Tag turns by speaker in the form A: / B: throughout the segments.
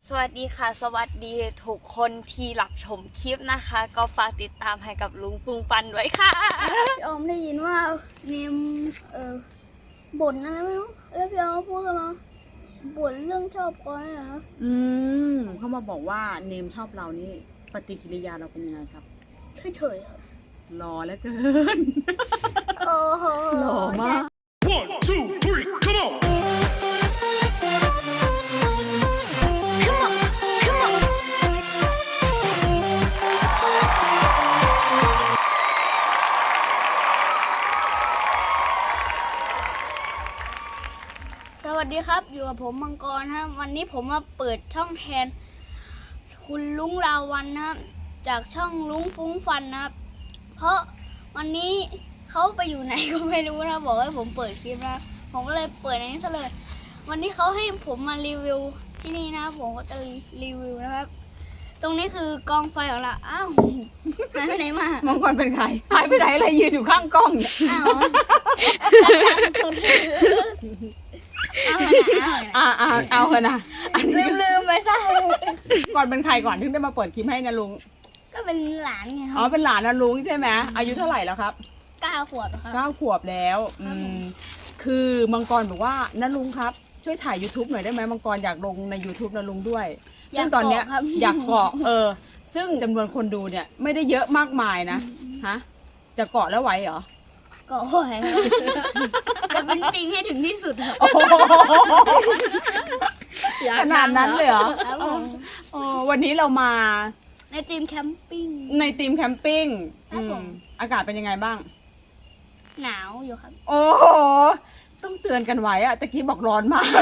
A: สวัสดีค่ะสวัสดีทุกคนที่รับชมคลิปนะคะ ก็ฝากติดตามให้กับลุงปุงปันด้วยค่ะ
B: พี่ออมได้ยินว่าเนมบ่นอะไรไม่รู้แล้วพี่ออมพูดกันมาบ่นเรื่องชอบก้อยเหรอครับ
C: เขามาบอกว่าเนมชอบเรานี่ปฏิกิริยาเราเป็นยังไงครับ
B: เฉยๆครับ
C: หล่อแล้วเกิน
B: โอ้โห
C: หล่อมาก
D: 1, 2, 3, come on!
B: สวัสดีครับอยู่กับผมมังกรครับวันนี้ผมมาเปิดช่องแทนคุณลุงราวันนะครับจากช่องลุงฟุ้งฟันนะครับเพราะวันนี้เขาไปอยู่ไหนก็ไม่รู้นะบอกให้ผมเปิดคลิปนะผมก็เลยเปิดในนี้ซะเลยวันนี้เขาให้ผมมารีวิวที่นี่นะผมก็จะรีวิวนะครับตรงนี้คือกองไฟของเราอ้าวหายไปไหนมา
C: มังกรเป็นใครหายไปไหนอะไรยืนอยู่ข้างกล้องเนี่ย
B: อ้าวกระชังสุดเอาหน่อย
C: เอาเถอะนะอันนี้
B: ลืมไปซะ
C: ก่อนเป็นใครก่อนถึงได้มาเปิดคลิปให้นะลุง
B: ก็เป็นหลานไงค
C: อ๋อ
B: รับ
C: เป็นหลานนะลุงใช่ไหมอายุเท่าไหร่แล้วครับ
B: 9 ขวบครับ
C: 9 ขวบแล้วคือมังกรบอกว่านะลุงครับช่วยถ่าย YouTube หน่อยได้ไหมมังกรอยากลงใน YouTube นะลุงด้วยซึ่งตอนเนี้ยอยากเกาะซึ่งจำนวนคนดูเนี่ยไม่ได้เยอะมากมายนะฮะจะเกาะแล้วไหวเหรอ
B: ก็โอ้ยจะเป็นจริงให้ถึงที่สุดครับ
C: ขนาดนั้นเลยเหรอ
B: ครับผม
C: วันนี้เรามา
B: ในทีมแคมปิ้ง
C: ในทีมแคมปิ้ง
B: ครับผม
C: อากาศเป็นยังไงบ้าง
B: หนาวอยู่ครับ
C: โอ้โหต้องเตือนกันไว้อะตะกี้บอกร้อนมาก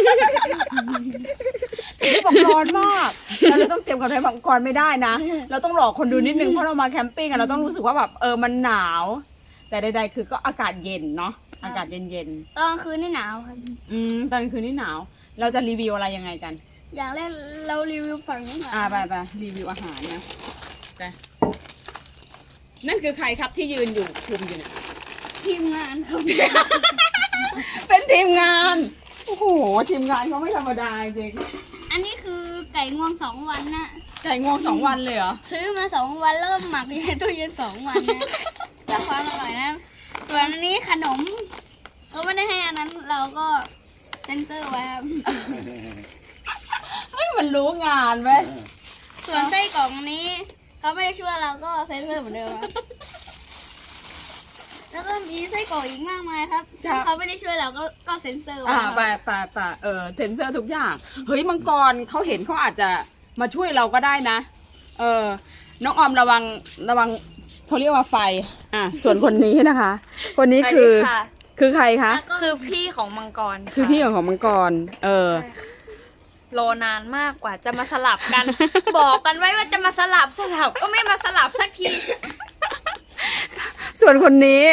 C: ตะกี้บอกร้อนมากแล้วเราต้องเตรียมกันไว้บางก่อนไม่ได้นะเราต้องหลอกคนดูนิดนึงเพราะเรามาแคมปิ้งอะเราต้องรู้สึกว่าแบบมันหนาว แต่ใดๆคือก็อากาศเย็นเนาะอากาศเย็น
B: ตอนกลางคืนนี่หนาวครับ
C: ๆตอนกลางคืนนี่หนาว เราจะรีวิวอะไรยังไงกัน
B: อย่างแรกเรารีวิวฝั่งนี้ก่อน
C: ไปรีวิวอาหารนะไปนั่นคือใครครับที่ยืนอยู่คุมอยู่เนี่ย
B: ทีมงานครับ
C: เป็นทีมงานโอ้โหทีมงานเขาไม่ธรรมดาจริง
B: อันนี้คือไก่งวง2 วันนะ
C: ไก่งวง2 วันเลยเหรอ
B: ซื้อมา2 วันเริ่มหมักอยู่ในตู้เย็น2 วันนะเพื่อความอร่อยนะส่วนอันนี้ขนมเขาไม่ได้ให้อันนั้นเราก็เซ็นเซอร์ไว้ครับ
C: เฮ้ยมันรู้งานไหม
B: ส่วนไส้กรอกอันนี้เขาไม่ได้ช่วยเราก็เซ็นเซอร์เหมือนเดิมครับแล้วก็มีไส้กรอกอีกมากมายครับซึ่งเขาไม่ได้ช่วยเราก็เซ็นเซอร์ไว้ครับ
C: ไปเซ็นเซอร์ทุกอย่างเฮ้ยมังกรเขาเห็นเขาอาจจะมาช่วยเราก็ได้นะน้องออมระวังเขาเรียกว่าไฟส่วนคนนี้นะคะ คนนี้คือใครคะ
A: คือพี่ของมังกร
C: คือพี่ของมังกร
A: รอนานมากกว่าจะมาสลับกัน บอกกันไว้ว่าจะมาสลับก็ไม่มาสลับสักที
C: ส่วนคนนี้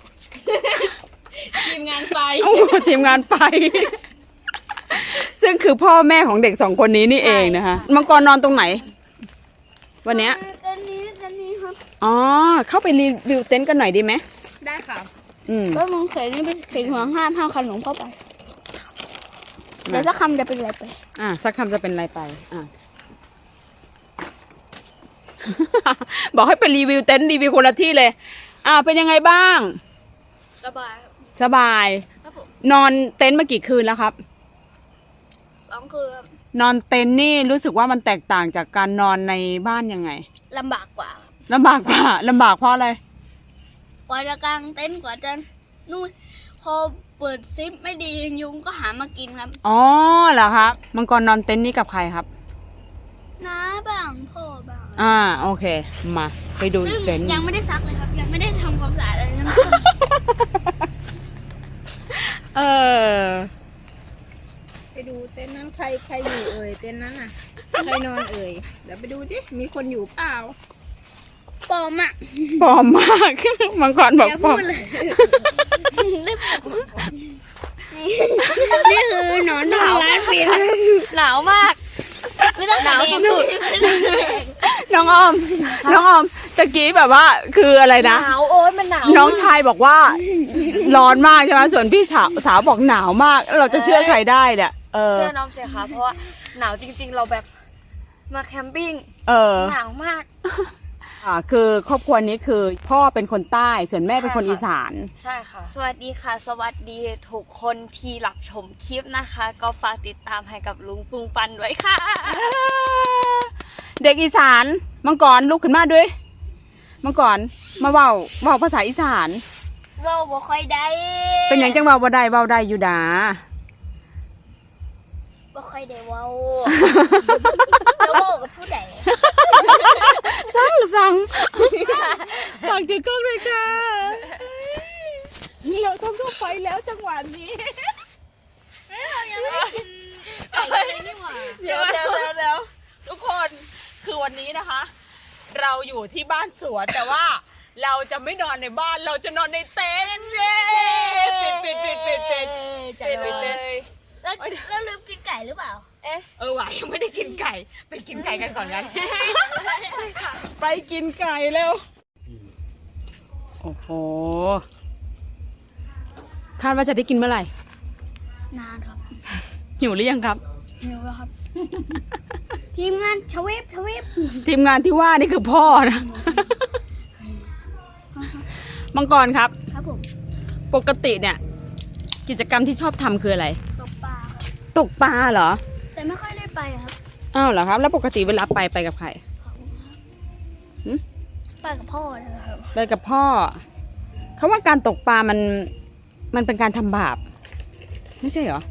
A: ทีมงานไฟ
C: ทีมงานไป ซึ่งคือพ่อแม่ของเด็ก2 คนนี้นี่เองนะคะมังกรนอนตรงไหน วันเนี้ย
B: กันนี้ครับ
C: อ๋อเข้าไปรีวิวเต็นท์กันหน่อยดีไหม
A: ได้ค่ะ
B: ก็มึงเขยนี่เป็นสีห่วงห้ามขนมเข้าไปเดี๋ยวสักคำจะเป็นอะไรไป
C: สักคำจะเป็นอะไรไปบอกให้ไปรีวิวเต็นท์รีวิวคนละที่เลยเป็นยังไงบ้าง
A: สบาย
C: สบาย
A: ครับผม
C: นอนเต็นท์มากี่คืนแล้วครับ
B: 2 คืนครับ
C: นอนเต็นท์นี่รู้สึกว่ามันแตกต่างจากการนอนในบ้านยังไง
B: ลำบากกว่า
C: ลำบากเพราะอะไร
B: กว่าจะกางเต็นท์กว่าจะนู่นพอเปิดซิปไม่ดียุงก็หามากินครับ
C: อ๋อเหรอครับมังกรนอนเต็นท์นี่กับใครครับ
B: น้าบ้างพ่อบ้าง
C: โอเคมาไปดู
B: ซึ่ง
C: เต็นท์
B: ยังไม่ได้ซักเลยครับ ยังไม่ได้ทำความสะอาดอะไรทั้งนั้น
E: ไปดูเต็นท์นั้นใครอยู่เอ่ยเต็นท์นั้นน่ะใครนอนเอ่ยเดี๋ยวไปดูดิมีคนอยู่เปล่า
B: ปลอมอ่ะ
C: ปลอมมาก มังกรบอก
B: อย่า
C: ปล
B: พู
C: อม
B: ดเลยรีบนี่คือหนอนทองร้านปิด
A: หนาวมาก
B: ไม่ต้อง
A: หนาวสุด
C: น้องออมตะกี้แบบว่าคืออะไร
A: ห
C: นะ
A: นาวโอ๊ยมันหนาว
C: น้องชายบอกว่าร้อนมากใช่ไหมส่วนพี่สาวบอกหนาวมากแล้วเราจะเชื่อใครได้เนี่ย
A: เชื่อน้องเสียค่ะเพราะว่าหนาวจริง ๆ เราแบบมาแคมปิ้ง
C: เออ
A: หนาวมาก
C: คือครอบครัวนี้คือพ่อเป็นคนใต้ส่วนแม่เป็นคนอีสาน
A: ใช่ค่ะ สวัสดีค่ะ สวัสดีทุกคนที่รับชมคลิปนะคะ ก็ฝากติดตามให้กับลุงปุงปันด้วยค่ะ
C: เด็กอีสานมังกรลุกขึ้นมาด้วยมังกรมาเว้าภาษาอีสาน
B: เว้าบ่ค่อยได้
C: เป็นอย่างจังเว้าบ่ได้เว้าได้อยู่ดา
B: บ่ค่อยได้เว้าจะเว้ากับผู้ใด
C: สั่งฝากถือกล้องเลยค่ะเราต้องเข้าไปแล้วจังหวะนี้
B: เรายังไม่ได้กินไก่เลยนี่หว่า
C: เดี๋ยวทุกคนคือวันนี้นะคะ เราอยู่ที่บ้านสวนแต่ว่าเราจะไม่นอนในบ้านเราจะนอนในเต็นท์เย้ปิด
B: จะ
A: ไปเลย
B: แล้วลืมกินไก่หรือเปล่า
C: ว่ะยังไม่ได้กินไก่ไปกินไก่กันก่อนกันไปกินไก่เร็วโอ้โหคาดว่าจะได้กินเมื่อไหร่
B: นานครับ
C: หิวหรือยังครับ
B: หิวแล้วครับ ทีมงานชเวฟ
C: ทีมงานที่ว่านี่คือพ่อนะมังกรครับ
B: ครับผม
C: ปกติเนี่ย กิจกรรมที่ชอบทำคืออะไร
B: ตกปลาครับ
C: ตกปลาเหรอ
B: แต่ไม่ค่อยได้ไปครับ
C: อ้าวเหรอครับ แล้วปกติเวลาไปกับใคร
B: ไปกับพ่อนะครับ
C: ไปกับพ่อเขาว่าการตกปลามันเป็นการทำบาปไม่ใช่เหรอ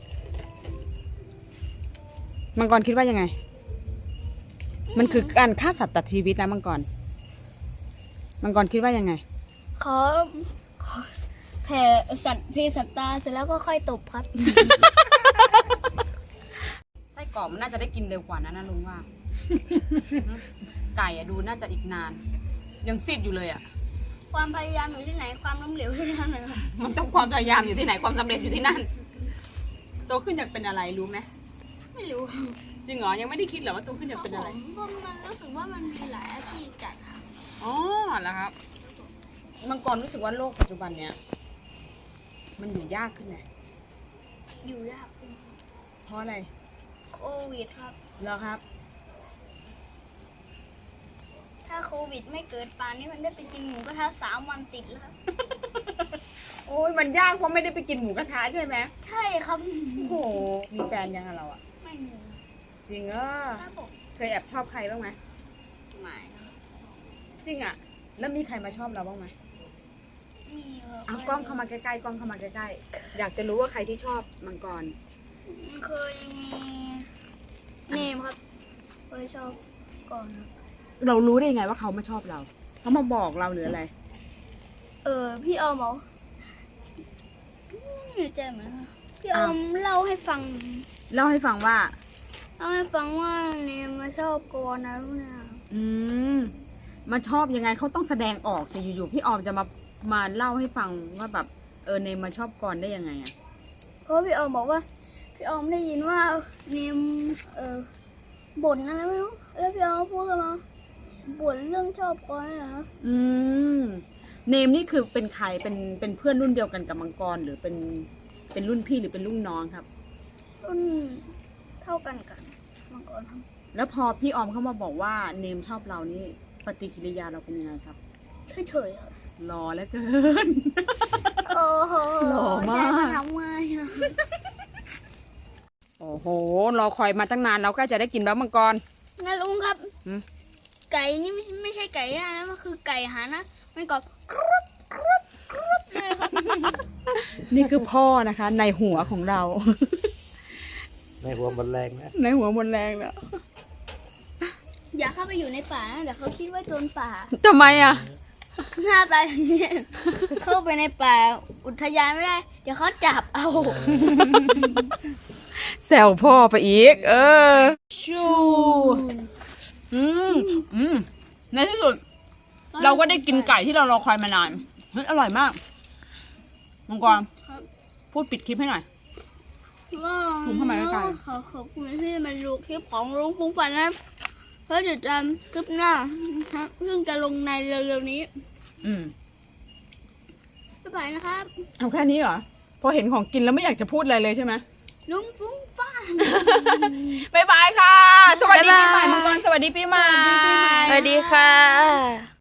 C: มังกรคิดว่ายังไง มันคือการฆ่าสัตว์ตัดชีวิตนะมังกรคิดว่ายังไง
B: ขอแผ่สัตว์เพศสัตตาเสร็จแล้วก็ค่อยตบครับ
C: ไส้กรอกมันน่าจะได้กินเร็วกว่านะลุงว่า ไก่อะดูน่าจะอีกนาน ยังซีดอยู่เลยอะ
B: ความพยายามอยู่ที่ไหนความล้มเหลวที่นั่นนะครับ
C: มันต้องความพยายามอยู่ที่ไหนความสำเร็จอยู่ที่นั่นโตขึ้นอยากเป็นอะไรรู้ไหม
B: ไม่รู้
C: จริงเหรอยังไม่ได้คิดเหรอว่าโตขึ้นอยากเป็นอะไร
B: ผมมันรู้สึกว่ามันมีหลายอาชีพจัดครับ
C: อ๋อแล้วครับมังกรรู้สึกว่าโลกปัจจุบันเนี้ยมันอยู่ยากขึ้นไหม
B: อยู่ยากขึ้น
C: เพราะอะไร
B: โควิดครับ
C: แล้วครับ
B: ถ้าโควิดไม่เกิดป่านนี้มันได้ไปกินหมูกระทะ3 วันติดแล้วครับ
C: โอ้ยมันยากเพราะไม่ได้ไปกินหมูกระทะใช่ไหม
B: ใช่ครับ
C: โอ้โหมีแฟนยังอะเราอะ
B: ไม่มี
C: จริงเออ
B: ครับผม
C: เคยแอบชอบใครบ้างไหม
B: ไม่ครับ
C: จริงอะแล้วมีใครมาชอบเราบ้างไหม
B: มีครับ
C: เอากล้องเข้ามาใกล้ๆกล้องเข้ามาใกล้ๆอยากจะรู้ว่าใครที่ชอบมังกร
B: เคยมีเนมครับเคยชอบก่อนครับ
C: เรารู้ได้ยังไงว่าเขามาชอบเราเขามาบอกเราหรืออะไร
B: พี่ออมบอกไม่แน่ใจเหมือนกันพี่ออมเล่าให้ฟัง
C: เล่าให้ฟังว่า
B: เล่าให้ฟังว่าเนมมาชอบก่อนนะลูกเนี่ย
C: อืมมาชอบยังไงเขาต้องแสดงออกสิอยู่ๆพี่ออมจะมาเล่าให้ฟังว่าแบบเนมมาชอบก่อนได้ยังไงอะ
B: เพราะพี่ออมบอกว่าพี่ออมได้ยินว่าเนมบ่นอะไรไม่รู้แล้วพี่ออมพูดกันมาบ่นเรื่องชอบก่อนเหรอ
C: อืมเนมนี่คือเป็นใครเป็นเพื่อนรุ่นเดียวกันกับมังกรหรือเป็นรุ่นพี่หรือเป็นรุ่นน้องครับ
B: ต้นเท่ากันมาก่อนครับ
C: แล้วพอพี่ออมเข้ามาบอกว่าเนมชอบเรานี่ปฏิกิริยาเราเป็นยังไงครับ
B: เฉยๆครับ
C: รอแล้วเกิน
B: โอ้โห
C: หล่อมาก
B: จะทำไงอะ
C: โอ้โหรอคอยมาตั้งนานเราก็จะได้กินแล้วมังกร
B: งั้นลุงครับ
C: หืม
B: ไก่นี่ไม่ใช่ไก่ย่างนะมันคือไก่หานะมันกรอบกรุบกรุบกรุบเลยครับ
C: นี่คือพ่อนะคะ ในหัวของเรา
F: ในหัวมันแรงนะ
C: ในหัวหมดแรงแล้ว
B: อย่าเข้าไปอยู่ในป่านะเดี๋ยวเขาคิดว่าโจรป่า
C: ทำไมอ่ะ
B: หน้าตาอย่างนี้เข้าไปในป่าอุทยานไม่ได้ เดี๋ยวเขาจับเอา
C: แซวพ่อไปอีก ชูในที่สุด เราก็ได้กินไก่ที่เรารอคอยมานานเฮ้ยอร่อยมากมังกร
B: ครับ
C: พูดปิดคลิปให้หน่อย
B: ก็
C: ผมเข้ามาใกล้
B: ขอขอบคุณที่มาดูคลิปของลุงฟุ้งฝันนะเพราะเดี๋ยวจะคลิปหน้านะครับซึ่งจะลงในเร็วๆนี้ บ๊ายบายนะครับ
C: เอาแค่นี้เหรอ พอเห็นของกินแล้วไม่อยากจะพูดอะไรเลยใช่ไหม
B: ลุงฟุ้งฝัน
C: บ๊ายบายค่ะ สวัสดีปีใหม่
A: บ๊ายบาย
C: มังกรสวัสดีปีใหม่
A: สวัสดีค่ะ